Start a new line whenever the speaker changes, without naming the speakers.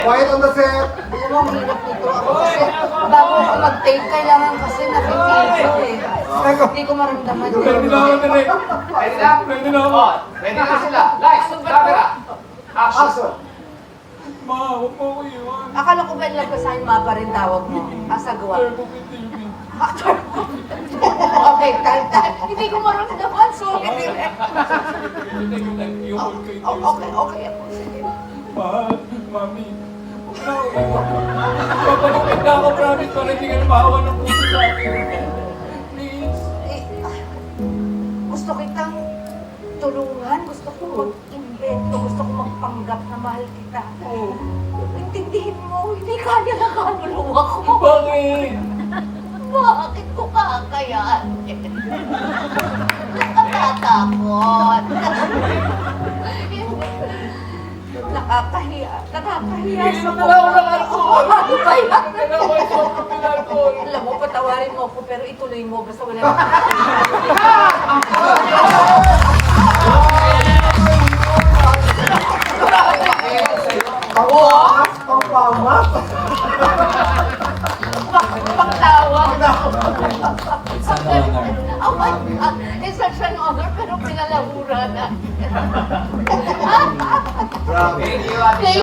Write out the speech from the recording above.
Quiet on the set!
Alam mo, ang hirap nito ako kasi bago ako mag-take, kailangan kasi nakifeel ko eh. Hindi ko maramdaman yun.
Ready na ako, Direk.
Ready na?
Ready na ako.
Oh, ready na sila. Lights, camera. Action.
Action!
Ma, huwag mo ako iwan.
Akala ko ba lang sa ma pa rin tawag mo? Asagawa. Okay, time. Hindi ko maramdaman, sorry. Okay ako. Sige.
Mahal, mami. Huwag na ako iwan. Papalupit na ako, promise, para hindi ka na maawa ng puso sa akin. Please.
Gusto kitang tulungan, gusto ko mag-invento, gusto ko magpanggap na mahal kita. Intindihin mo, hindi kaya na kaluluwa ko.
Bakit?
Bakit ko kakayanin? Nakakatakot. Nakakahiya. Nakakahiya sa
Wala ko ng alcohol.
Ano ba yan?
Kailangan ko ito ng alcohol.
Alam mo, patawarin mo ako, pero ituloy mo. Basta wala
Pangpamas!
pagtawa. Oh my God, it's such an honor, pero pinalahura na.
Thank you, Ate.